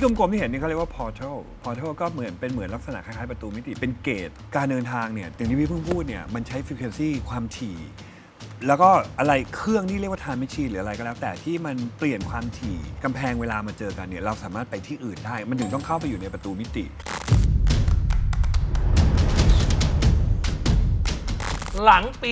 ที่กลมๆที่เห็นนี่เขาเรียกว่า portal ก็เหมือนลักษณะคล้ายๆประตูมิติเป็นเกตการเดินทางเนี่ยอย่างที่พี่เพิ่งพูดเนี่ยมันใช้ frequency ความถี่แล้วก็อะไรเครื่องที่เรียกว่า time machine หรืออะไรก็แล้วแต่ที่มันเปลี่ยนความถี่กำแพงเวลามาเจอกันเนี่ยเราสามารถไปที่อื่นได้มันถึงต้องเข้าไปอยู่ในประตูมิติหลังปี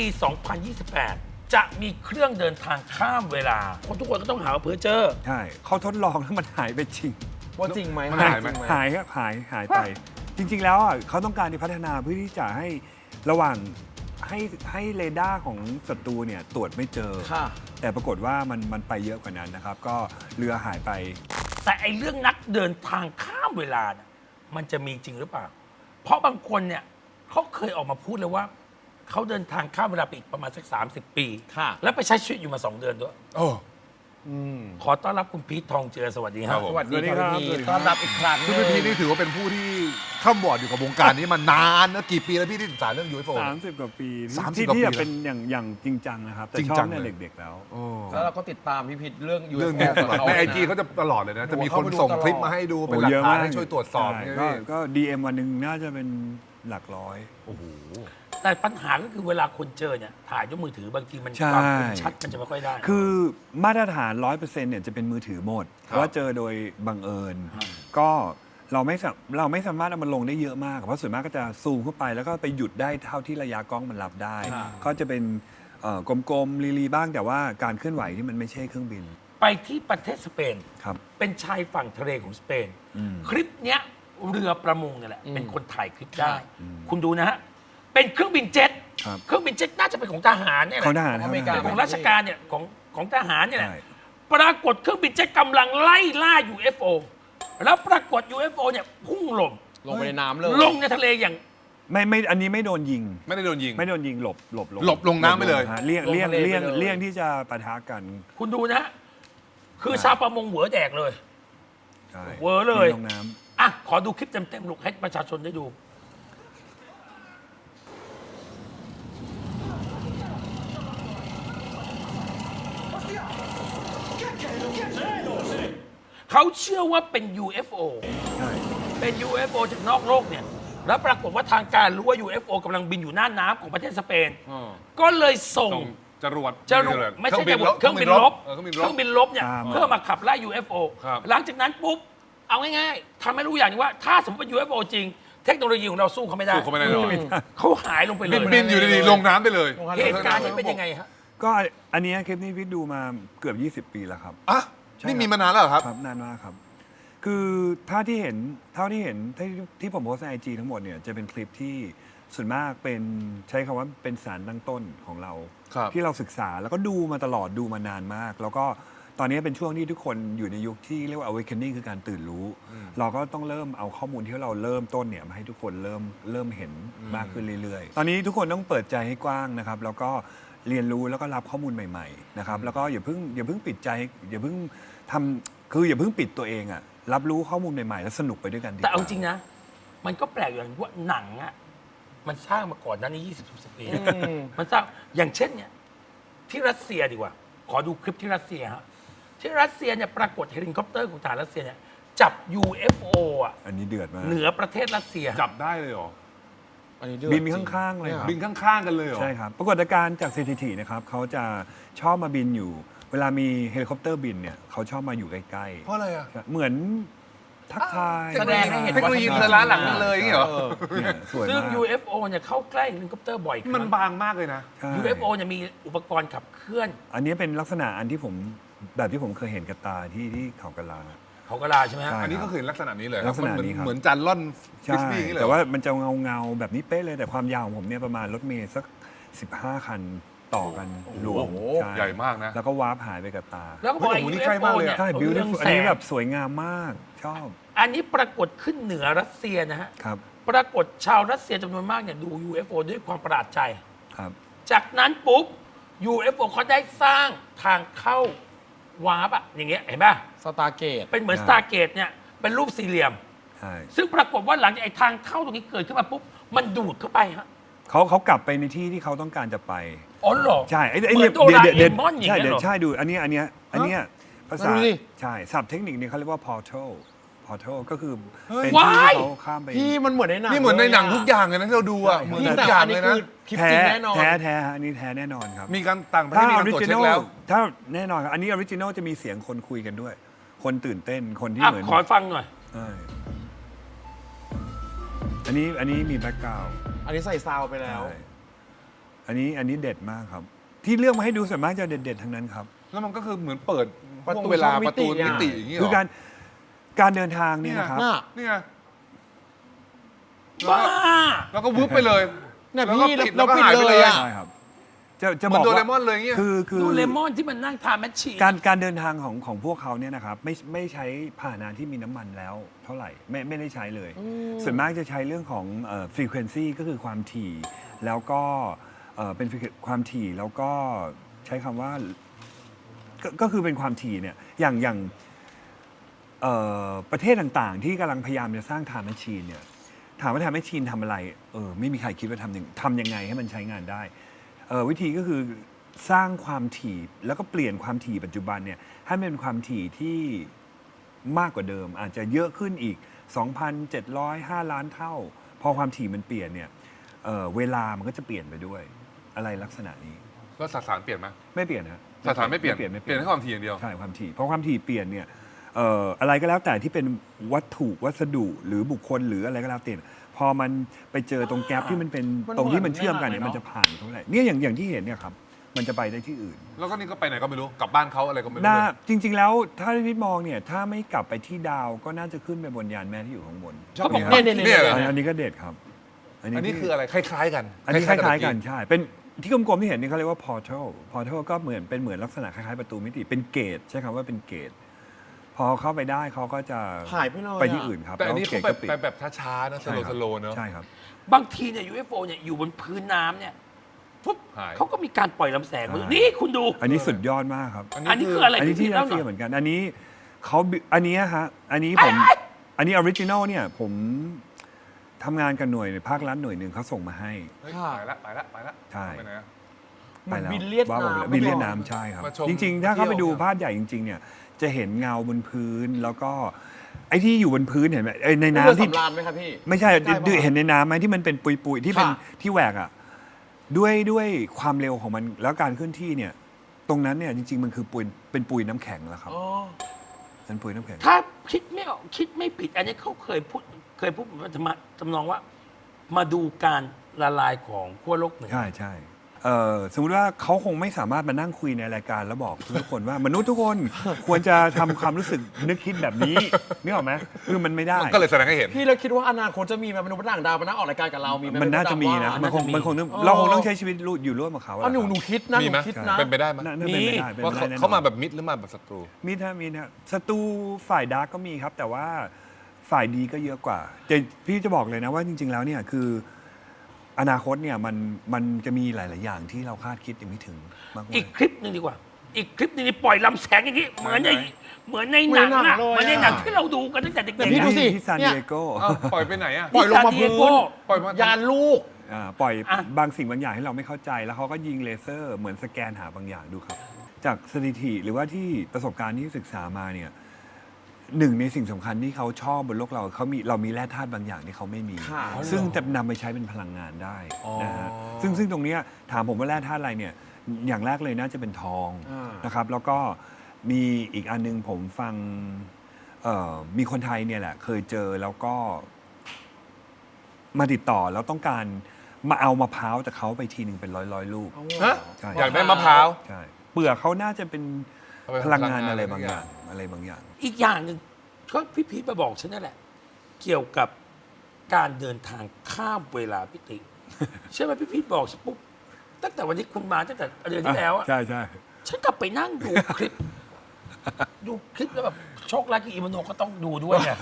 2028 จะมีเครื่องเดินทางข้ามเวลาคนทุกคนก็ต้องหาว่าเพ้อเจ้อใช่เขาทดลองแล้วมันหายไปจริงว่าจริงไหมมันหายไหมหายครับหายไป จริง ๆ แล้วอ่ะเขาต้องการที่พัฒนาเพื่อที่จะให้ระหว่างให้เรดาร์ของศัตรูเนี่ยตรวจไม่เจอค่ะแต่ปรากฏว่ามันไปเยอะกว่านั้นนะครับ ก็เรือหายไปแต่ไอ้เรื่องนักเดินทางข้ามเวลาเนี่ยมันจะมีจริงหรือเปล่า เพราะบางคนเนี่ยเขาเคยออกมาพูดเลยว่าเขาเดินทางข้ามเวลาไปอีกประมาณสัก30 ปีค่ะแล้วไปใช้ชีวิตอยู่มา2 เดือนด้วยโอ้ขอต้อนรับคุณพีททองเจือสวัสดีคครัรับบผมสวัสดีสวัสดีคครัรับบ พี่ต้อนรับอีกครั้งซึ่งพี่พีนี่ถือว่าเป็นผู้ที่ข้ามบอร์ดอยู่กับวงการนี้มานานนะกี่ปีแล้วพี่ที่ศึกษาเรื่อง UFO 30 กว่าปี 30 ที่กว่าปีที่จะเป็นอย่างจริงจังนะครับ แต่จริงชอจับงเนี่ยเลยเด็กๆแล้วโอ้แล้วเราก็ติดตามพี่พิษเรื่องเรื่อง UFO นี้ตลอดกับเขาในไอจีนะเขาจะตลอดเลยนะ จะมีโอ้คนเขาไปดูส่งตลอดคลิปมาให้ดูเป็นโอ้หลักเยอะฐานมากให้ช่วยตรวจสอบใช่เนี่ยก็ DM วันหนึ่งน่าจะเป็นหลักร้อยโอ้โหแต่ปัญหาก็คือเวลาคนเจอเนี่ยถ่ายด้วยมือถือบางทีมันใช่ความคมชัดมันจะไม่ค่อยได้คือมาตรฐาน 100%เนี่ยจะเป็นมือถือหมดครับว่าเจอโดยบังเอิญ ก็เราไม่สามารถเอามันลงได้เยอะมาก เพราะส่วนมากก็จะซูมเข้าไปแล้วก็ไปหยุดได้เท่าที่ระยะกล้องมันรับได้ ก็จะเป็นกลมๆลีบ้างแต่ว่าการเคลื่อนไหวที่มันไม่ใช่เครื่องบินไปที่ประเทศสเปนครับเป็นชายฝั่งทะเลของสเปนอืมคลิปเนี้ยเรือประมงเนี่ยแหละเป็นคนถ่ายคลิปได้ คุณดูนะฮะ เป็นเครื่องบินเจ็ตครับเครื่องบินเจ็ตน่าจะเป็นของทหารเนี่ยแหเขาละทหารของอเมริกาเป็นของราชการเนี่ยของทหารเนี่ยแหละใช่ปรากฏเครื่องบินเจ็ตกำลังไล่ล่า UFO แล้วปรากฏ UFO เนี่ยพุ่งลงลงไปในน้ำเลยลงในทะเลอย่างไม่อันนี้ไม่โดนยิงไม่ได้โดนยิงไม่โดนยิงหลบหลบลงน้ำไปเลยฮะเลี่ยงลงทะเลไปเลยเลี่ยงที่จะปะทะกันคุณดูนะฮะคือชาวประมงหัวแดกเลยใช่เวอร์เลยลงน้ำอ่ะขอดูคลิปเต็มๆลูกให้ประชาชนได้ดู เขาเชื่อว่าเป็น UFO ใช่เป็น UFO จากนอกโลกเนี่ย แล้วปรากฏว่าทางการรู้ว่า UFO กำลังบินอยู่หน้าน้ำของประเทศสเปน ก็เลยส่งส่งจรวดจรวดไม่ใช่จรวดเครื่องบินรบเครื่องบินเครรื่บองบินรบเนี่ยตามมาเพื่อมาขับไล่ UFO ครับหลังจากนั้นปุ๊บ เอาง่ายๆทำให้รู้อย่างหนึงว่าถ้าสมมติเป็น UFO จริง เทคโนโลยีของเราสู้เขาไม่ได้สู้เขาไม่ได้หรอกเขาหายลงไปเลบิยนอยู่ดีๆลงน้ำไปเลยเหตุการณ์นี้เป็นยังไงฮะก็อันเนี้ยคลิปนี้พี่ดูมาเกือบ 20 ปีแล้วครับอ่ะใช่นี่ครับมีมานานแล้วเหรอครับครับนานมากครับ คือเท่าที่เห็นที่ผมโพสต์ในไอจีทั้งหมดเนี่ยจะเป็นคลิปที่ส่วนมากเป็นใช้คำว่าเป็นสารตั้งต้นของเราครับที่เราศึกษาแล้วก็ดูมาตลอดดูมานานมาก แล้วก็ตอนนี้เป็นช่วงที่ทุกคนอยู่ในยุคที่เรียกว่า awakening คือการตื่นรู้ เราก็ต้องเริ่มเอาข้อมูลที่เราเริ่มต้นเนี่ยมาให้ทุกคนเริ่มเห็นมากขึ้นเรื่อยๆ ตอนนี้ทุกคนต้องเปิดใจให้กว้างนะครับ แล้วก็เรียนรู้แล้วก็รับข้อมูลใหม่ๆนะครับแล้วก็อย่าเพิ่งปิดใจอย่าเพิ่งทำคืออย่าเพิ่งปิดตัวเองอะรับรู้ข้อมูลใหม่ๆ แล้วสนุกไปด้วยกันดีกว่าแต่เอาจริงนะ มันก็แปลกอย่างว่าหนังอ่ะมันสร้างมาก่อนหนั้นนี้20-30 ปีนะมันสร้างอย่างเช่นเนี่ยที่รัสเซียดีกว่า ขอดูคลิปที่รัสเซียฮะที่รัสเซียเนี่ยปรากฏเฮลิคอปเตอร์ของทหารรัสเซียเนี่ยจับ UFO อ่ะอันนี้เดือดมากเหนือประเทศรัสเซียจับได้เลยเหรออันนี้เดือดบินจริข้างๆเลยครับบินข้างๆกันเลยเหรอใช่ครับปรากฏการณ์จากสถิตินะครับเขาจะชอบมาบินอยู่ เวลามีเฮลิคอปเตอร์บินเนี่ยเขาชอบมาอยู่ใกล้เพราะอะไรอ่ะๆเหมือนทักทายแสดงให้เห็นเทคโนโลยีเธอล้าหลังเลยอย่างงี้เหรอเนี่ยสวยซึ่งมาก UFO เนี่ยเข้าใกล้เฮลิคอปเตอร์บ่อยคมัรั้นงบางมากเลยนะใช่ UFO เนี่ยมีอุปกรณ์ขับเคลื่อนอันนี้เป็นลักษณะอันที่ผมแบบที่ผมเคยเห็นกับตาที่เขากะลาเขาก็ลาใช่ไหมฮะใช่อันนี้ก็คือลักษณะนี้เลยลักษณะนี้ครับเหมือนจานล่อนฟิใช่สบี้อย่างนี้เลยแต่ว่ามันจะเงาแบบนี้เป๊ะเลยแต่ความยาวของผมเนี่ยประมาณรถเมล์สัก 15 คันต่อกันรวมโอ้โหช่ใหญ่มากนะแล้วก็วาร์ปหายไปกับตาแล้วก็บอกเฮ้ยไอ้โอ้โหนี่ใกล้มาก UFO เลยอะเนี่ยใช่เรือง beautiful แสอันนี้งแบบสวยงามมากชอบอันนี้ปรากฏขึ้นเหนือรัสเซียนะฮะครับปรากฏชาวรัสเซียจำนวนมากเนี่ยดู UFO ด้วยความประหลาดใจครับจากนั้นปุ๊บ UFO เขาได้สร้างทางเข้าวาร์ปอะอย่างเงี้ยเห็นป่ะสตาร์เกตเป็นเหมือนใช่สตาร์เกตเนี่ยเป็นรูปสี่เหลี่ยมใช่ซึ่งปรากฏว่าหลังจากไอ้ทางเข้าตรงนี้เกิดขึ้นมาปุ๊บ มันดูดเข้าไปฮะเขากลับไปในที่ที่เขาต้องการจะไปอ๋อเหรอใช่ไอ้เหมืเนี่อย นโดราเอมอนอย่างใช่เงี้ยเหรอใช่ดูอันเนี้ยภาษาดูดิใช่ศัพท์เทคนิคเนี่ยเขาเรียกว่า portal portal ก็คือเฮ้ยเป็นที่ที่เขาข้ามไปพี่มันเหมือนในหนังนี่เหมือนในหนังลยะทุกอย่างเลยนะที่เราดูอ่ะเหมือนพี่ทุแต่กอย่างอันเลนี้ยคืนะอคลิปแท้จริงแน่นอนแท้ฮะอันนี้แท้แน่นอนครับมีการต่างประเทถ้าศมีอการอริตรวจจิเช็นอคลแล้วถ้าแน่นอนครับอันนี้ออริจินอลจะมีเสียงคนคุยกันด้วย คนตื่นเต้นคนที่อ่ะเหมือนขอฟังหน่อยใช่อันนี้มีแบ็กกราวด์อันนี้ใส่ซาวไปแล้วอันนี้เด็ดมากครับ ที่เลือกมาให้ดูส่วนมากจะเด็ดๆทั้งนั้นครับแล้วมันก็คือเหมือนเปิดประตูช่วงเวลาช่องมิประติตูอ่ะมิติอย่างนี้เหรคืออการเดินทางเนี่ยนะครับน่ะนี่ไงบ้าแล้วก็วึบไปเลยเนี่ยแล้วก็พี่ปิดเราแล้วก็ปิดหายไปเลยอ่ะใช่ครับ จะเหบมืออน กโดเรว่ามอนเลยอย่างเงี้ยคือดูเลมอนที่มันนั่งทานแมชชีนการเดินทางของพวกเขาเนี่ยนะครับไม่ใช้พาหนะที่มีน้ำมันแล้วเท่าไหร่ไม่ได้ใช้เลย ส่วนมากจะใช้เรื่องของfrequency ก็คือความถี่แล้วก็เป็นความถี่แล้วก็ใช้คำว่าก็คือเป็นความถี่เนี่ยอย่างประเทศต่างๆ ที่กำลังพยายามจะสร้างไทม์แมชชีนเนี่ยถามว่าไทม์แมชชีนทำอะไรไม่มีใครคิดว่าทำยังไงให้มันใช้งานได้วิธีก็คือสร้างความถี่แล้วก็เปลี่ยนความถี่ปัจจุบันเนี่ยให้มันเป็นความถี่ที่มากกว่าเดิม อาจจะเยอะขึ้นอีก 2,705 ล้านเท่า พอความถี่มันเปลี่ยนเนี่ยเวลามันก็จะเปลี่ยนไปด้วยอะไรลักษณะนี้แล้วสสารเปลี่ยนไหมไม่เปลี่ยนนะสสารไม่เปลี่ยนเปลี่ยนเปลี่ยนแค่ความถี่อย่างเดียวใช่ความถี่เพราะความถี่เปลี่ยนเนี่ยอะไรก็แล้วแต่ที่เป็นวัตถุวัสดุหรือบุคคลหรืออะไรก็แล้วแต่พอมันไปเจอตรงแกลบที่มันเป็นมันตรงที่มันเชื่อมกันเนี่ยเหมือนมันจะผ่านเท่าไหร่เนี่ยอย่างที่เห็นเนี่ยครับมันจะไปได้ที่อื่นแล้วก็นี่ก็ไปไหนก็ไม่รู้กลับบ้านเขาอะไรก็ไม่รู้น่าเลยจริง ๆ แล้วถ้าพี่มองเนี่ยถ้าไม่กลับไปที่ดาวก็น่าจะขึ้นไปบนยานแม่ที่อยู่ข้างบนเขาบอกนี่เนี่ยครับเนี่ยเหรออันนี้ก็เด็ดครับอันนี้คืออะไรคล้ายๆกันอันนี้คล้ายๆกันบเมื่ใช่เป็นที่กลมๆที่เห็นนี่เขาเรียกว่า portal ก็เหมือนลักษณะคล้ายๆประตูมิติเป็นเกตใช้คำว่าเป็นเกตพอเข้าไปได้เขาก็จะหายไปเลยอะไปที่อื่นครับแต่อันนี้ล้วเขาก็ปิดไปแบบช้าๆนะสใช่ครับโลว์ๆเนอะใช่ครับบางทีเนี่ย UFO เนี่ยอยู่บนพื้นน้ำเนี่ยปุ๊บหายเขาก็มีการปล่อยลำแสงมาใช่นี่คุณดูอันนี้สุดยอดมากครับอันนี้คืออะไรอันนี้พี่ที่เล่ารัสหน่เซีอยยเหมือนกัน อันนี้เขาอันนี้ฮะอันนี้ผมอันนี้ออริจินอลเนี่ยผมทำงานกับหน่วยภาครัฐหน่วยหนึ่งเขาส่งมาให้เฮ้ยค่ะไปละใช่ไปไหนอะเหมือนไปแล้วบินเลียดว่าผมน้ำบินเลียดน้ำใช่ครับมาชมจริง ๆ ถ้าเข้าไปดูเที่ยวภาพใหญ่จริง ๆ เนี่ย จะเห็นเงาบนพื้นแล้วก็ไอ้ที่อยู่บนพื้นเห็นไหมในเรือน้ำที่สำราญไหมครับพี่ไม่ใช่ใช่ปะเห็นในน้ำไหมที่มันเป็นปุยๆที่เป็นค่ะที่แหวกอ่ะด้วยความเร็วของมันแล้วการเคลื่อนที่เนี่ย ตรงนั้นเนี่ยจริง ๆ มันคือเป็นปุยน้ำแข็งแล้วครับอ๋อเป็นปุยน้ำแข็งถ้าคิดไม่ออกคิดไม่ผิด อันนี้เขาเคยพูดทำนองว่า มาดูการละลายของขั้วโลกเหนือใช่ใช่สมมุติว่าเขาคงไม่สามารถมานั่งคุยในรายการแล้วบอกทุกคนว่ามนุษย์ทุกคนควรจะทำความรู้สึกนึกคิดแบบนี้นึกออกไหมคือมันไม่ได้มันก็เลยแสดงให้เห็นพี่เราคิดว่าอนาคตจะมีมนุษย์ต่างดาวมานั่งออกรายการกับเรามีไหมันน่าจะมีนะว่ามันคงเออเราคงต้องใช้ชีวิตอยู่ร่วมกับเขาอะเอาหนูคิดนะหมีนูไหมคิดนะเป็นไปได้ไหมน่าเป็นไปได้เป็นว่าไปได้แน่นอนเขามาแบบมิดหรือมาแบบศัตรูมีนะศัตรูฝ่ายดาร์กก็มีครับ แต่ว่าฝ่ายดีก็เยอะกว่าแต่พี่จะบอกเลยนะว่าจริง ๆ แล้วเนี่ยคืออนาคตเนี่ยมันจะมีหลาย ๆ อย่างที่เราคาดคิดยังไม่ถึงมากอีกคลิปหนึ่งดีกว่า อีกคลิปหนึงนี่ปล่อยลำแสงอย่างนี้ เหมือนในไหนเหมือนในหนังเหมือนหนัอะงเลยเหมือนในหนังอะที่เราดูกันตั้งแต่เด็กแต่ๆพี่อะดูสิที่ซานเนี่ดิยเอโกอ้าวปล่อยไปไหนอะปล่อยลงมาพื้นปล่อยมายานลูกปล่อยอ่ะบางสิ่งบางอย่างให้เราไม่เข้าใจแล้วเขาก็ยิงเลเซอร์เหมือนสแกนหาบางอย่างดูครับ จากสถิติหรือว่าที่ประสบการณ์ที่ศึกษามาเนี่ยหนึ่งในสิ่งสำคัญที่เขาชอบบนโลกเรามีแร่ธาตุบางอย่างที่เขาไม่มีค่ะซึ่งจะนำไปใช้เป็นพลังงานได้อ๋อนะฮะซึ่งตรงเนี้ยถามผมว่าแร่ธาตุอะไรเนี่ยอย่างแรกเลยน่าจะเป็นทองอ่านนะครับ แล้วก็มีอีกอันนึงผมฟังมีคนไทยเนี่ยแหละ เคยเจอแล้วก็มาติดต่อแล้วต้องการมาเอามะพร้าวจากเขาไปทีหนึ่งเป็นร้อยลูกฮะใช่อยากได้มะพร้าวใช่เปลือกเขาน่าจะเป็นเอาไปพลังงานพลังงานอะไรบางอย่างอะไรบางอย่างอีกอย่างหนึ่งก็พี่พีทมาบอกฉันนั่นแหละ เกี่ยวกับการเดินทางข้ามเวลาพิติ ใช่ไหมพี่พีทบอกฉันปุ๊บตั้งแต่วันที่คุณมาตั้งแต่เดือนที่แล้วอะใช่ใช่ฉันกลับไปนั่งดูคลิป ดูคลิปแล้วแบบโชคร้ายกับอีมโนก็ต้องดูด้วยไง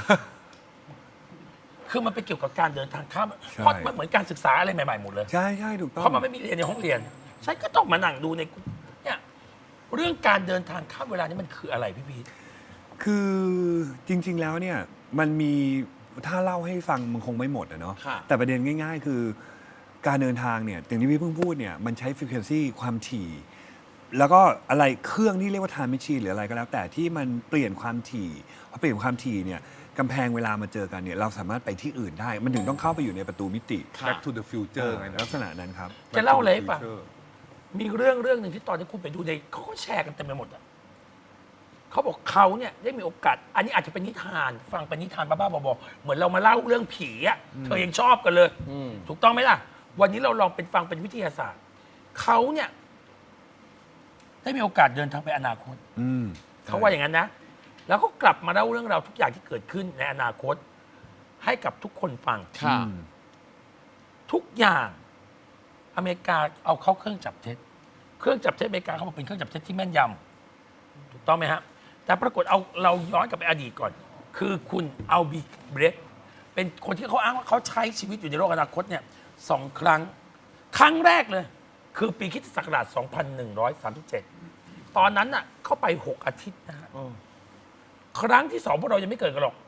คือมันเป็นเกี่ยวกับการเดินทางข้ามเพราะมันเหมือนการศึกษาอะไรใหม่ๆหมดเลยใช่ใช่ถูกต้องเพราะมันไม่มีเรียนในห้องเรียน ฉันก็ต้องมานั่งดูในเนี่ยเรื่องการเดินทางข้ามเวลานี่มันคืออะไรพี่พีทคือจริง ๆ แล้วเนี่ยมันมีถ้าเล่าให้ฟังมันคงไม่หมดอะเนาะค่ะแต่ประเด็นง่าย ๆ คือการเดินทางเนี่ยอย่างที่พี่เพิ่งพูดเนี่ยมันใช้ frequency ความถี่ แล้วก็อะไรเครื่องที่เรียกว่า time machine หรืออะไรก็แล้ว แต่ที่มันเปลี่ยนความถี่พอเปลี่ยนความถี่เนี่ยกำแพงเวลามาเจอกันเนี่ยเราสามารถไปที่อื่นได้ มันถึงต้องเข้าไปอยู่ในประตูมิติ Back to the future ไงนะลักษณะนั้นครับจะเล่าอะไรให้ฟัง มีเรื่องหนึ่งที่ตอนที่คุณไปดูในเขาก็แชร์กันเต็มไปหมดอ่ะเขาบอกเขาเนี่ยได้มีโอกาส อันนี้อาจจะเป็นนิทาน ฟังเป็นนิทานบ้าๆบอๆเหมือนเรามาเล่าเรื่องผีอ่ะเธอยังชอบกันเลย ถูกต้องไหมล่ะ วันนี้เราลองเป็นฟังเป็นวิทยาศาสตร์เขาเนี่ยได้มีโอกาสเดินทางไปอนาคตอืมเขาว่าอย่างนั้นนะ แล้วก็กลับมาเล่าเรื่องราวทุกอย่างที่เกิดขึ้นในอนาคต ให้กับทุกคนฟังค่ะทุกอย่างอเมริกาเอาเข้าเครื่องจับเท็จ เครื่องจับเท็จอเมริกาเขาบอกเป็นเครื่องจับเท็จที่แม่นยำถูกต้องไหมฮะ แต่ปรากฏเอาเราย้อนกลับไปอดีตก่อน คือคุณเอาบีเบรกเป็นคนที่เขาอ้างว่าเขาใช้ชีวิตอยู่ในโลกอนาคตเนี่ย2 ครั้ง ครั้งแรกเลย คือปีคริสตศักราช 2137 ตอนนั้นน่ะเข้าไป 6 อาทิตย์นะฮะ ครั้งที่ 2 พวกเรายังไม่เกิดกันหรอก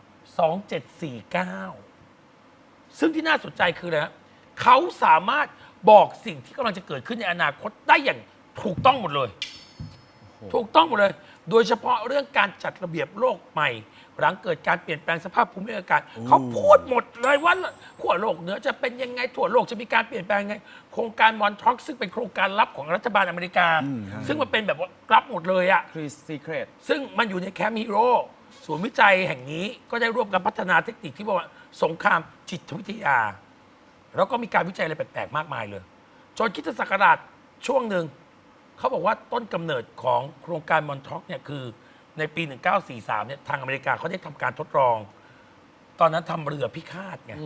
2749 ซึ่งที่น่าสนใจคืออะไรฮะเขาสามารถบอกสิ่งที่กำลังจะเกิดขึ้นในอนาคตได้อย่างถูกต้องหมดเลย ถูกต้องหมดเลย โดยเฉพาะเรื่องการจัดระเบียบโลกใหม่ หลังเกิดการเปลี่ยนแปลงสภาพภูมิอากาศเขาพูดหมดเลยว่าขั้วโลกเหนือจะเป็นยังไงทั่วโลกจะมีการเปลี่ยนแปลงยังไง โครงการมอนทร็อกซึ่งเป็นโครงการลับของรัฐบาลอเมริกา ซึ่งมันเป็นแบบว่าลับหมดเลยอะคือ secret ซึ่งมันอยู่ในแคมป์ฮีโร่ศูนย์วิจัยแห่งนี้ก็ได้ร่วมกันพัฒนาเทคนิคที่บอกว่าสงครามจิตวิทยา แล้วก็มีการวิจัยอะไรแปลกๆมากมายเลย จนคริสตศักราชช่วงหนึ่ง เขาบอกว่าต้นกำเนิดของโครงการมอนท็อกเนี่ยคือในปี 1943 เนี่ยทางอเมริกาเขาได้ทำการทดลอง ตอนนั้นทำเรือพิฆาตไง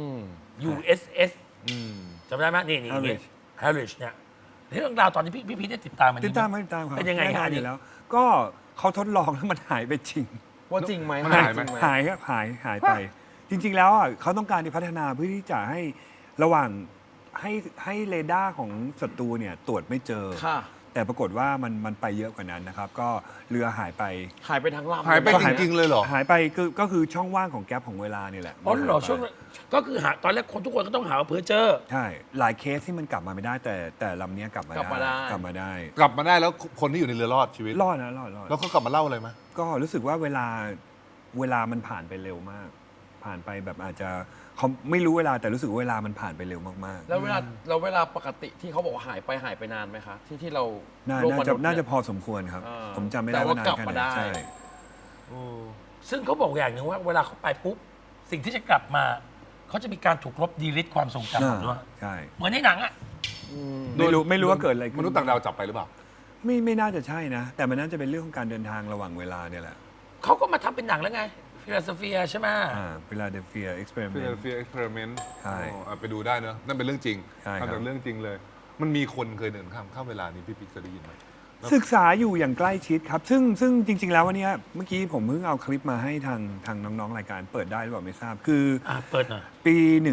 USS จำได้ไหมนี่ Harwich Harwich เนี่ยเรื่องราวตอนนี้พี่พีชได้ติดตามมันติดตามครับเป็นยังไงแน่นฮะอนอันอนี้ยู่แล้ว ก็เขาทดลองแล้วมันหายไปจริงว่าจริงไหมมันหายไหมจริงหายครับหายไป จริง ๆ แล้วอ่ะเขาต้องการที่พัฒนาเพื่อที่จะให้ระหว่างให้เรดาร์ของศัตรูเนี่ยตรวจไม่เจอค่ะแต่ปรากฏว่ามันไปเยอะกว่านั้นนะครับ ก็เรือหายไปหายไปทั้งลำหายไปเลจริงๆเลยเหรอหายไปก็คือช่องว่างของแก๊ปของเวลานี่แหละอ๋อเหรอมันหายไปช่วงนั้นก็คือหาตอนแรกคนทุกคนก็ต้องหาว่าเพอเจอร์ใช่ หลายเคสที่มันกลับมาไม่ได้ แต่ลำเนี้ยกลับมาได้กลับมาได้กลับมาได้กลับมาได้แล้วคนที่อยู่ในเรือรอดชีวิตรอดนะรอดแล้วเขากลับมาเล่าอะไรไหมก็รู้สึกว่าเวลามันผ่านไปเร็วมาก ผ่านไปแบบอาจจะเขาไม่รู้เวลาแต่รู้สึกว่าเวลามันผ่านไปเร็วมากๆแล้วเวลาปกติที่เขาบอกว่าหายไปนานไหมคะ ที่เราน่าโลกมนุษย์น่าจะเนี่ยพอสมควรครับอ่าผมจำไม่ได้แต่ว่าว่านานกลับแค่มาไหนได้ใช่ซึ่งเขาบอกอย่างหนึ่งว่าเวลาเขาไปปุ๊บ สิ่งที่จะกลับมา เขาจะมีการถูกลบดีลิทความทรงจำหมดด้วยใช่เหมือนในหนังอ่ะไม่รู้ว่าเกิดอะไรขึ้นมนุษย์ต่างดาวจับไปหรือเปล่าไม่น่าจะใช่นะ แต่มันน่าจะเป็นเรื่องของการเดินทางระหว่างเวลาเนี่ยแหละเขาก็มาทำเป็นหนังแล้วไงฟิลาเซเฟียใช่ไหมฟิลาเดลเฟียเอ็กซ์เพร์เมนต์ Philadelphia Experiment ใช่ไปดูได้เนอะนั่นเป็นเรื่องจริงใช่ครับทำจากเรื่องจริงเลย มันมีคนเคยเดินข้ามเวลานี้พี่ปิ๊กเคยได้ยินไหมศึกษาอยู่อย่างใกล้ชิดครับ ซึ่งจริง ๆ แล้ววันเนี้ยเมื่อกี้ผมเพิ่งเอาคลิปมาให้ทางน้องๆรายการเปิดได้หรือเปล่าไม่ทราบ คือเปิดหน่อยปี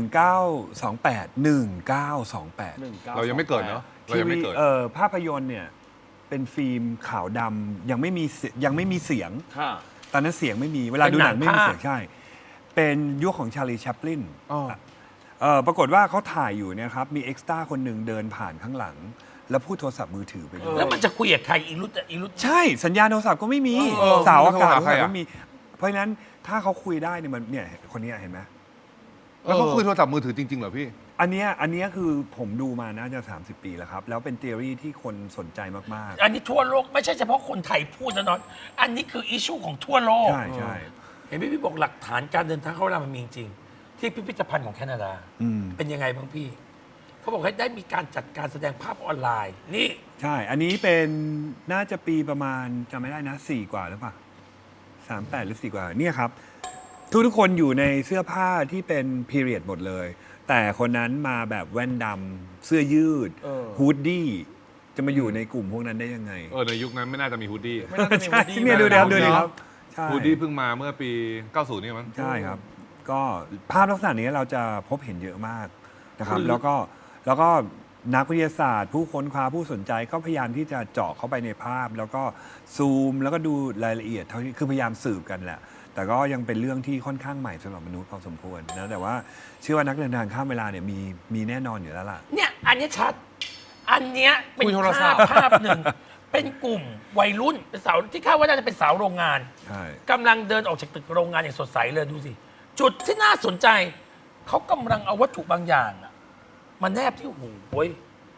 1928 เรายังไม่เกิดเนอะเรายังไม่เกิดภาพยนตร์เนี่ยเป็นฟิล์มขาวดำยังไม่มีเสียงค่ะตอนนั้นเสียงไม่มีเวลาดูหนังไม่มีเสียงใช่ เป็นยุคของชาลีแชปลินอ๋อปรากฏว่าเขาถ่ายอยู่เนี่ยครับ มีเอ็กซ์ตร้าคนหนึ่งเดินผ่านข้างหลัง แล้วพูดโทรศัพท์มือถือไปด้วยแล้วมันจะคุยกับใครอีรุตใช่สัญญาณโทรศัพท์ก็ไม่มีเออเสาอากาศมันโทรหาใครอะไม่มี เพราะฉะนั้นถ้าเขาคุยได้เนี่ยมันเนี่ยคนเนี้ยเห็นไหมแล้วเขาคุยโทรศัพท์มือถือจริงๆเหรอพี่อันเนี้ยคือผมดูมาน่าจะ 30 ปีแล้วครับ แล้วเป็นทฤษฎีที่คนสนใจมากอันนี้ทั่วโลกไม่ใช่เฉพาะคนไทยพูดนะนอนอันนี้คืออิชชูของทั่วโลๆกใช่เห็นพี่บอกหลักฐานการเดินทางเข้าเวลามันมีจริง ที่พิพิธภัณฑ์ของแคนาดาอืมเป็นยังไงบ้างพี่ เขาบอกให้ได้มีการจัดการแสดงภาพออนไลน์ นี่ใช่ อันนี้เป็นน่าจะปีประมาณจำไม่ได้นะ4 กว่าหรือเปล่า38 หรือ 4 กว่าเนี่ยครับ ทุกคนอยู่ในเสื้อผ้าที่เป็นพีเรียดหมดเลย แต่คนนั้นมาแบบแว่นดำเสื้อยืดเออฮูดดี้จะมาอยู่ในกลุ่มพวกนั้นได้ยังไงในยุคนั้นไม่น่าจะมีฮูดดี้ไม่น่าจะมีใช่วูดดี้เนี่ยดูมาเดี๋ยวดูดิครับใช่ฮูดดี้เพิ่งมาเมื่อปี 90 นี่มั้งใช่ครับ ก็ภาพลักษณะนี้เราจะพบเห็นเยอะมากนะครับคือแล้วก็นักวิทยาศาสตร์ ผู้ค้นคว้าผู้สนใจก็พยายามที่จะเจาะเข้าไปในภาพ แล้วก็ซูมแล้วก็ดูรายละเอียดเท่าที่คือพยายามสืบกันแหละ แต่ก็ยังเป็นเรื่องที่ค่อนข้างใหม่สำหรับมนุษย์พอสมควรนะแต่ว่าเชื่อว่านักเดินทางข้ามเวลาเนี่ยมีแน่นอนอยู่แล้วล่ะเนี่ยอันนี้ชัด อันเนี้ยเป็นคุยโทรศัพท์ภาพหนึ่ง เป็นกลุ่มวัยรุ่นเป็นสาวที่คาดว่าน่าจะเป็นสาวโรงงานใช่กำลังเดินออกจากตึกโรงงานอย่างสดใสเลยดูสิจุดที่น่าสนใจ เขากำลังเอาวัตถุบางอย่างอะมาแนบที่หูเว้ย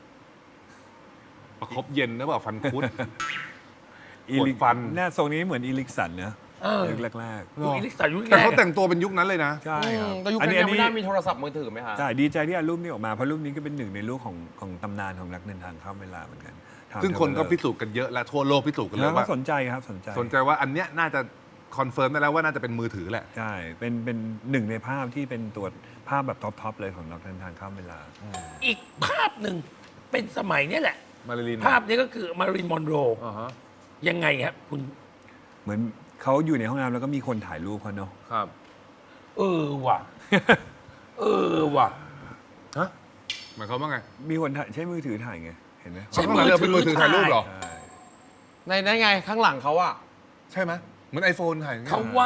ประคบเย็นนะเปล่าฟันคุดอีปวลิดฟันหน้าทรงนี้เหมือนอีลิกสันนะเออยุคแรกยุคอิลิกสันยุคแต่แรเขากแต่งตัวเป็นยุคนั้นเลยนะๆใช่ครับแต่ยุคนั้นยังไม่น่ามีโทรศัพท์มือถือไหมฮะใช่ดีใจที่เอารูปนี้ออกมาเพราะรูปนี้ก็เป็นหนึ่งในรูปของตำนานของนักเดินทางข้ามเวลาเหมือนกันซึ่งคนก็พิสูจน์กันเยอะและทั่วโลกพิสูจน์กันเลแล้ยวก็ว่าสนใจครับสนใจสนใจว่าอันเนี้ยน่าจะคอนเฟิร์มได้แล้วว่าน่าจะเป็นมือถือแหละใช่เป็นหนึ่งในภาพที่เป็นตัวภาพแบบท็อปเลยของนักเดินทางข้ามเวลาอีกภาพหนึ่งเป็นสมัยเนี้แหละมาริลินภาพนี้ก็คือมารินมอนโรอ่าฮะยังไงครับคุณเหมือนเขาอยู่ในห้องน้ำแล้วก็มีคนถ่ายรูปเขาเนาะครับเออว่ะ เออว่ะฮะหมายความว่าไงมีคนถ่ายใช้มือถือถ่ายไงเห็นไหมใช้ข้างหลังเราเป็นมือถือถ่ายรูปเหรอใช่ในนั้นไงข้างหลังเขาอะใช่ไหมเหมือน iPhone ถ่ายอย่างเงี้ยเขาว่า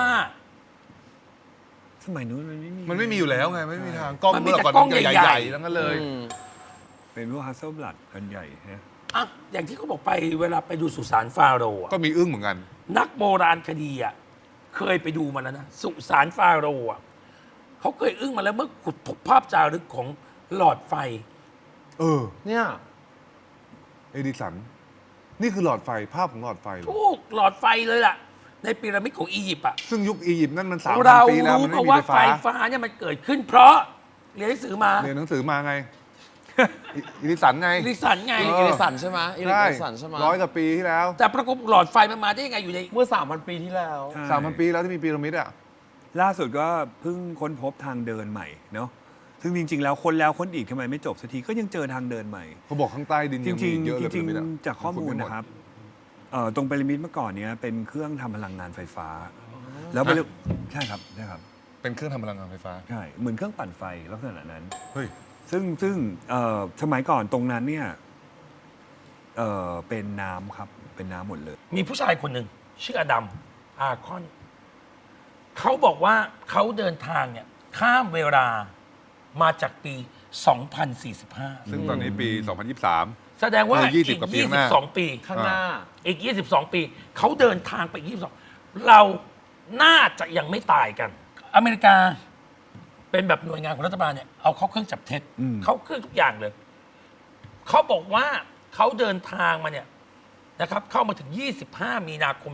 สมัยนู้นมันไม่มีมันไม่มีอยู่แล้วไงไม่มีทางกล้องมันมีเมื่อแต่ก่อนกล้องใหใหญ่ญ่ๆๆทั้งนั้นเลยเป็นพวกฮัสเซิลบลัดกันใหญ่ฮะอ่ะอย่างที่เขาบอกไปเวลาไปดูสุสานฟาโรห์อะก็มีอึ้งเหมือนกันนักโบราณคดีอ่ะเคยไปดูมาแล้วนะ สุสานฟาโรห์อะเขาเคยอึ้งมาแล้วเมื่อขุดพบภาพจารึกของหลอดไฟเออเนี่ยเอดิสัน นี่คือหลอดไฟภาพของหลอดไฟเหรอทุกหลอดไฟเลยล่ะ ในพีระมิดของอียิปต์อ่ะซึ่งยุคอียิปต์นั่นมัน3,000 เราปีแล้วรู้มันมาไม่มีว่าไฟไฟฟ้าฟ้าเนี่ยมันเกิดขึ้นเพราะเรียนหนังสือมาเรียนหนังสือมาไง อิริสันไงอิริสันไงอิลิสันใช่ไหมอิลิสันใช่ไหม 100 กว่าปีที่แล้วแต่ปรากฏหลอดไฟมันมาได้ยังไงอยู่ในเมื่อ 3,000 ปีที่แล้วใช่ 3,000 ปีแล้วที่มีพีระมิดอ่ะล่าสุดก็เพิ่งค้นพบทางเดินใหม่เนาะซึ่งจริง ๆ แล้วค้นแล้วค้นอีกทำไมไม่จบสักทีก็ยังเจอทางเดินใหม่เขาบอกข้างใต้ดินจยังมีริงเยอะๆเลยจริงพีะมิดอะๆจากข้อมูลนะครับตรงพีระมิดเมื่อก่อนเนี้ยเป็นเครื่องทำพลังงานไฟฟ้า แล้วไปเรียกใช่ครับใช่ครับเป็นเครื่องทำพลังงานไฟฟ้าใช่เหมือนเครื่องปั่นไฟลักษณะนั้นเฮ้ยซึ่งสมัยก่อนตรงนั้นเนี่ยเป็นน้ำครับเป็นน้ำหมดเลยมีผู้ชายคนหนึ่งชื่ออดัมอาคอนเขาบอกว่าเขาเดินทางเนี่ยข้ามเวลามาจากปี 2045 ซึ่งตอนนี้ปี 2023 แสดงว่า 20 อีกกว่าปีข้างหน้า 22 ปีข้างหน้าอีก 22 ปี เขาเดินทางไปอีก22 เราน่าจะยังไม่ตายกัน อเมริกาเป็นแบบหน่วยงานของรัฐบาลเนี่ยเอาเข้าเครื่องจับเท็จอืมเข้าเครื่องทุกอย่างเลย เขาบอกว่าเขาเดินทางมาเนี่ยนะครับ เข้ามาถึง 25 มีนาคม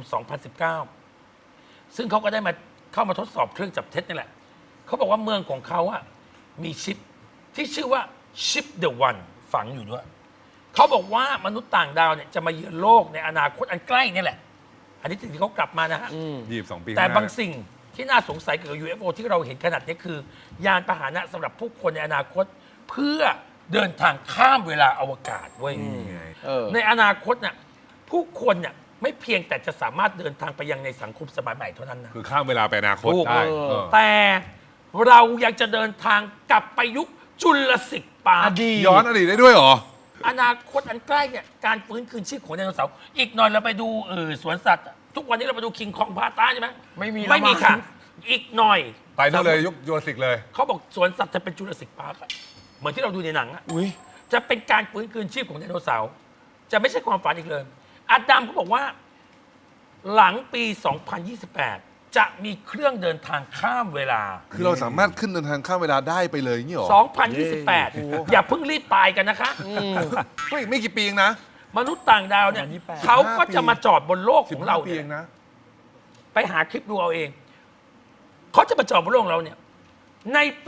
2019 ซึ่งเขาก็ได้มาเข้ามาทดสอบเครื่องจับเท็จนี่แหละ เขาบอกว่าเมืองของเขาอะมีชิปที่ชื่อว่าชิปเดอะวันฝังอยู่ด้วย เขาบอกว่ามนุษย์ต่างดาวเนี่ยจะมาเยือนโลกในอนาคตอันใกล้นี่แหละ อันนี้สิ่งที่เขากลับมานะฮะ 22 ปีแต่ข้หน้บางสิ่งที่น่าสงสัยเกี่ยวกับ UFO ที่เราเห็นขนาดนี้คือ ยานพาหนะสำหรับผู้คนในอนาคต เพื่อเดินทางข้ามเวลาอวกาศเว้ยนี่ไงเออในอนาคตน่ะผู้คนเนี่ยไม่เพียงแต่จะสามารถเดินทางไปยังในสังคมสมัยใหม่เท่านั้นนะคือข้ามเวลาไปอนาคตถูกได้เออเออแต่เรายังจะเดินทางกลับไปยุคจุลศิษย์ปาอร์คดีตย้อนอดีตได้ด้วยเหรออนาคตอันใกล้เนี่ยการฟื้นคืนชีพของไดโนเสาร์อีกหน่อยเราไปดูสวนสัตว์อะทุกวันนี้เราไปดูคิงคองพาต้าใช่ไหมไม่มีไม่มีแล้วมั้งค่ะ อีกหน่อยไปนู่นเลยยุคยูราสสิกเลยเขาบอกสวนสัตว์จะเป็นจุลศิษย์ปาร์คอะเหมือนที่เราดูในหนังอะอุ้ยจะเป็นการฟื้นคืนชีพของไดโนเสาร์จะไม่ใช่ความฝันอีกเลยอาดัมเขาบอกว่า หลังปี 2028 จะมีเครื่องเดินทางข้ามเวลาคือเราสามารถขึ้นเดินทางข้ามเวลาได้ไปเลยอย่างนี้เหรอ 2028 อย่าเพิ่งรีบตายกันนะคะไม่กี่ปีเองนะมนุษย์ต่างดาวเนี่ย 2028 เขาก็จะมาจอดบนโลกของเรา 15 ปีเนี่ยเองนะไปหาคลิปดูเอาเอง เขาจะมาจอดบนโลกของเราเนี่ย ในปี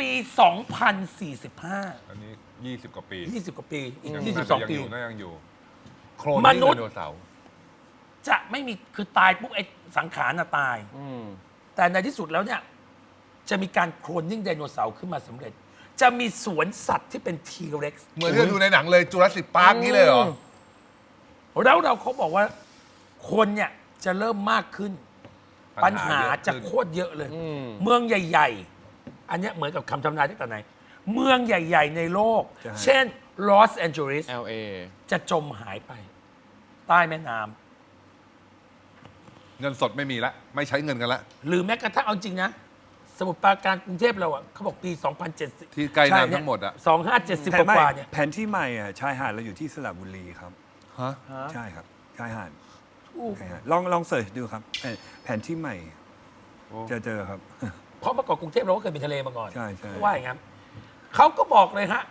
2045 อันนี้ 20 กว่าปี 20 กว่าปี อีกยัง 22 ปีน่ายังอยู่โครนมนี่นุษย์ไดโนเสาร์จะไม่มีคือตายปุ๊บไอ้สังขารน่ะตาย แต่ในที่สุดแล้วเนี่ย จะมีการโคลนนิ่งไดโนเสาร์ขึ้นมาสำเร็จ จะมีสวนสัตว์ที่เป็นทีเร็กซ์เหมือนที่เราดูในหนังเลยจูราสสิกพาร์คนี้เลยเหรอแล้วเราเขาบอกว่า คนเนี่ยจะเริ่มมากขึ้น ปัญหาจะโคตรเยอะเลย เมืองใหญ่ ๆ อันเนี้ยเหมือนกับคำทำนายตั้งแต่ไหน เมืองใหญ่ ๆ ในโลกใช่เช่นลอสแอนเจลิส LA จะจมหายไป ใต้แม่น้ำเงินสดไม่มีละไม่ใช้เงินกันละหรือแม้กระทั่งเอาจริงนะ สมุทรปราการกรุงเทพเราอ่ะเขาบอกปี 2070 ที่ใกล้น้ำทั้งหมดอะ 2570 แผนกใหม่ว่าๆเนี่ยแผนที่ใหม่อ่ะชายหาดเราอยู่ที่สระบุรีครับฮะใช่ครับชายหาดถูกชายหาดลองเสิร์ชดูครับแผนที่ใหม่โอ้จะเจอครับเพราะเมื่อก่อนกรุงเทพเราก็เคยเป็นทะเลมาก่อนใช่ใช่เขาว่าอย่างนั้นเขาก็บอกเลยฮะ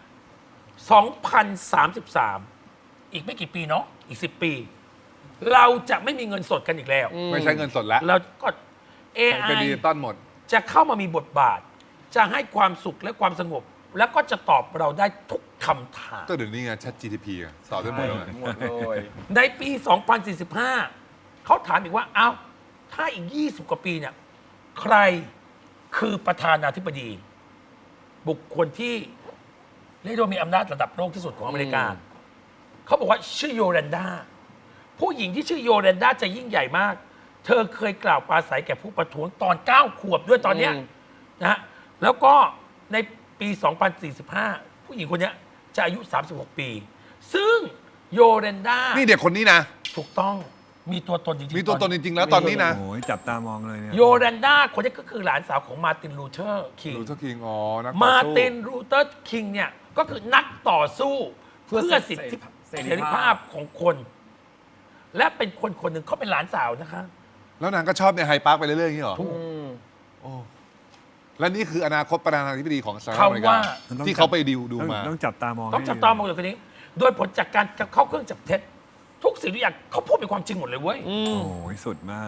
2033 อีกไม่กี่ปีเนาะอีก 10 ปี เราจะไม่มีเงินสดกันอีกแล้วไม่ใช้เงินสดแล้วเราก็เป็น AI ดิจิตอลหมดจะเข้ามามีบทบาท จะให้ความสุขและความสงบ แล้วก็จะตอบเราได้ทุกคำถามก็เดี๋ยวนี้ไง ChatGPT อะสอบได้หมดเลยหมดเลยในปี 2045 เขาถามอีกว่า เอ้า ถ้าอีก 20 กว่าปีเนี่ย ใครคือประธานาธิบดี บุคคลที่เรียกได้ว่ามีอำนาจระดับโลกที่สุดของอเมริกา เขาบอกว่าชื่อโยแรนดา ผู้หญิงที่ชื่อโยแรนดาจะยิ่งใหญ่มาก เธอเคยกล่าวปราศัยแก่ผู้ประท้วงตอน 9 ขวบด้วยตอนเนี้ยนะฮะ แล้วก็ในปี 2045 ผู้หญิงคนเนี้ยจะอายุ 36 ปี ซึ่งโยเรนดานี่เด็กคนนี้นะถูกต้องมีตัวตนจริงๆมีตัวตนจริง ๆ แล้วตอนนี้นะโอ้ยจับตามองเลยเนี่ยโยเรนดาคนนี้ก็คือหลานสาวของมาร์ตินลูเทอร์คิงลูเทอร์คิงอ๋อนักต่อมาสู้ร์ตินลูเทอร์คิงเนี่ยก็คือนักต่อสู้เพื่อสิทธิเสรีภาพของคน และเป็นคนคนหนึ่งเขาเป็นหลานสาวนะคะแล้วนางก็ชอบในไฮปาร์คไปเรื่อยๆอย่างนี้เหรอถูกโอ้และนี่คืออนาคตประธานาธิบดีของสหรัฐเขาอเมริกาว่าที่เขาไปดูต้องมาต้องจับตามองต้องจับตามองอยู่คนนี้ โดยผลจากการเข้าเครื่องจับเท็จ ทุกสิ่งทุกอย่างเขาพูดเป็นความจริงหมดเลยเว้ยโอ้ยสุดมาก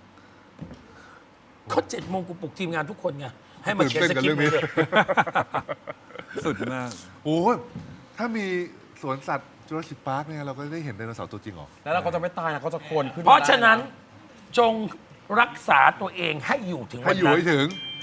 เขา7 โมงกูปลุกทีมงานทุกคนไงให้มาเขียนสคริปต์ตื่นเต้นกับเรื่องนี้เลยสุดมากโอ้ยถ้ามีสวนสัตว์จูราสสิคพาร์คเนี่ยเราก็ได้เห็นไดโนเสาร์ตัวจริงเหรอแล้วเราก็จะไม่ตายนะเขาจะโคนขึ้นเพราะฉะนั้นได้จงรักษาตัวเองให้อยู่ถึงให้วันอยู่นั้นให้ถึง